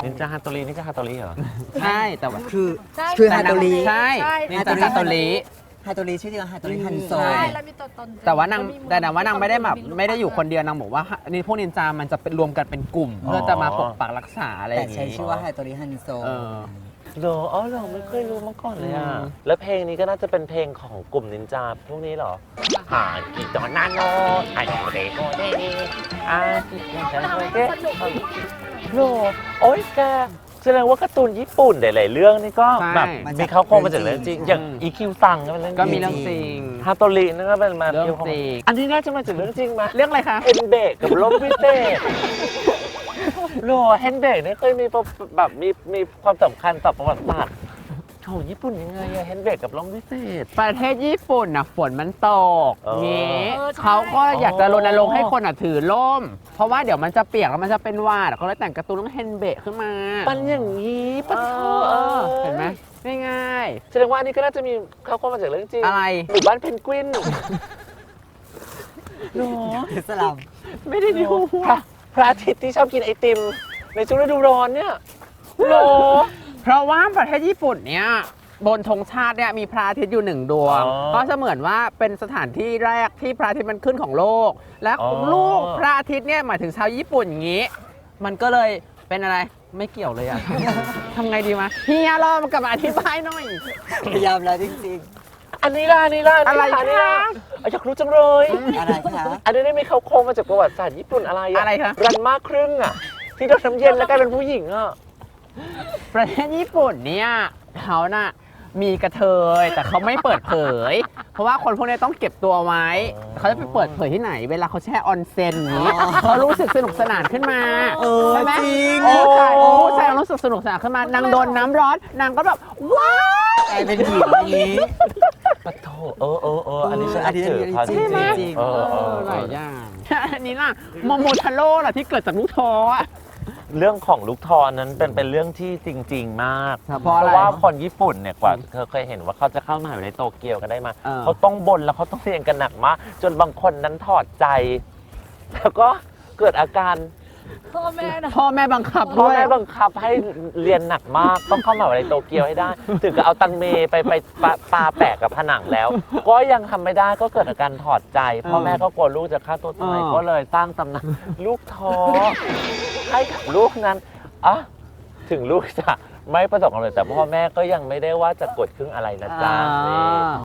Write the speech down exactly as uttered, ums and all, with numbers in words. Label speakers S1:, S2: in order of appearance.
S1: นินจาฮาโตรินี่ก็ฮาโตริเหรอ
S2: ใช่แต่ว่า
S3: คือ
S4: ใช่
S3: คือฮาโตริ
S2: ใช่นินจาฮาโตริ
S3: ฮาโตริชื่อจริงว่าฮาโตริฮันโซ
S4: ใช่แล้วมีตัวตน
S2: แต่ว่านางแต่นางว่านางไม่ได้แบบไม่ได้อยู่คนเดียวนางบอกว่านี่พวกนินจามันจะเป็นรวมกันเป็นกลุ่ม เพื่อจะมาปกปักรักษาอะไรอ
S3: แต่
S2: ย่าง
S3: ใช้
S2: นี้
S3: ชื่อว่าฮาโตริฮันโซ
S2: เออ
S1: เหรออ๋อเหรอไม่เคยรู้มาก่อนเลยอ่ะ
S2: อืม
S1: แล้วเพลงนี้ก็น่าจะเป็นเพลงของกลุ่มนินจาพวกนี้เหรอหากิจอนานโนไอโอเดโกเดอากิจอนานโนเดโหโอ้ยแกแสดงว่าการ์ตูนญี่ปุ่นหลายๆเรื่องนี่ก็แบบมีเขาโครงมาจากเรื่องจริงอย่างอีคิวซังก็เป็นเรื่อง
S2: ก็มีเรื่องจริง
S1: ฮาโตรินั่นก็เป็นมา
S2: เรื่องจริง
S1: อันนี้น่าจะมาจากเรื่องจริงไหม
S2: เรื่องอะไรคะ
S1: เฮนเบกกับลมพิเศษโลเฮนเบกนี่เคยมีแบบมีมีความสำคัญต่อประวัติศาสตร์ของญี่ปุ่นยังไงอะเฮนเบกกับลมพิเศษ
S2: ประเทศญี่ปุ่นน่ะฝนมันตก
S1: เออ
S2: งี้เขาก็อยากจะรณรงค์ให้คนอ่ะถือร่ม เพราะว่าเดี๋ยวมันจะเปียกแล้วมันจะเป็นหวาดเขาเลยแต่งการ์ตูนเรื่องเฮนเบะขึ้นมา
S1: ปันอย่างนี้ปัน
S2: เอ
S1: เถ
S2: อเออ
S1: อะ
S2: เห็นไหมง่าย
S1: แสดงว่าอันนี้ก็น่าจะมีเขาโครงมาจากเรื่องจริง
S2: อะไร
S1: หมู่บ้านเพนกวินโล
S3: คือสลัม
S2: ๆ ไม่ได้ดู
S1: พระพระอาทิตย์ที่ชอบกินไอติม ในช่วงฤดูร้อนเนี่ยโล
S2: เพราะว่าประเทศญี่ปุ่นเนี่ยบนธงชาติเนี่ยมีพระอาทิตย์อยู่หนึ่งดวง ก็เสมือนว่าเป็นสถานที่แรกที่พระอาทิตย์มันขึ้นของโลก และลูกพระอาทิตย์เนี่ยหมายถึงชาวญี่ปุ่นอย่างนี้ มันก็เลยเป็นอะไรไม่เกี่ยวเลยอะ ทำไงดีมะเฮียรอมากลับมาอธิบายหน่อย
S3: พยายามแล้วจริง
S1: อันนี้ล่ะอันนี้ล่ะนนี้
S2: อะไร
S1: ล่อันนี้ล่
S2: คะ
S1: อยากรู้จังเลย
S3: ๆ อะไรคะ
S1: อันนี้ได้มีเขาโครงมาจากประวัติศาสตร์ญี่ปุ่นอะไรอะ
S2: อะไรคะ
S1: รันมากครึ่งอะที่โดนน้ำเย็นแล้วกลายเป็นผู้หญิงอะ
S2: ประเทศญี่ปุ่นเนี่ยเขาน่ะมีกระเทยแต่เขาไม่เปิดเผย เพราะว่าคนพวกนี้ต้องเก็บตัวไว้ เขาจะไปเปิดเผยที่ไหน เวลาเขาแช่ออนเซ็นอย่างนี้เขารู้สึกสนุกสนานขึ้นมา
S3: เออ
S2: ใช่ไหม
S3: จริง
S2: ผู้ชายผู้ชายรู้สึกสนุกสนานขึ้นมานางโดนน้ำร้อนนางก็แบบว้าว
S3: กลายเป็นหญิงอย่างนี้
S1: ปะโถเออเออเอออันนี้ฉัน
S3: อันนี้
S1: เจอเขาจ
S3: จริ
S1: ริ
S3: ง
S1: ง
S3: ไหม
S1: ๆเออเออ
S2: ห
S1: เอ
S2: ลาย
S1: อ
S2: อย่างอันนี้ล่ะโมโมทาโร่ล่ะที่เกิดจากลูกท้ออะ
S1: เรื่องของลูกทอนนั้นเป็นเป็นเรื่องที่จริง ๆ มาก
S2: เพราะอะไร
S1: ว่าคนญี่ปุ่นเนี่ยกว่าเธอเคยเห็นว่าเขาจะเข้ามหาวิทยาลัยโตเกียวกันได้มา
S2: เออ
S1: เขาต้องบนแล้วเขาต้องเรียนกันหนักมากจนบางคนนั้นถอดใจ แล้วก็เกิดอาการ
S4: พ่อแม่นะ
S2: พ่อแม่บังคับ
S1: พ่อ
S2: ด้วย
S1: แม่บังคับให้เรียนหนักมาก ต้องเข้ามหาวิทยาลัยโตเกียวให้ได้ ถึงกับเอาตังเมไปไปปาปาแปะกับผนังแล้ว ก็ยังทำไม่ได้ก็เกิดอาการถอดใจ พ่อแม่ก็กลัวลูกจะฆ่าตัวตาย
S2: เออ
S1: ก็เลยสร้างตำนานลูกท้อให้กับลูกนั้นอ่ะถึงลูกจะไม่ประสบความสำเร็จแต่พ่อแม่ก็ยังไม่ได้ว่าจะกดครึ่งอะไรนะจ๊ะนี่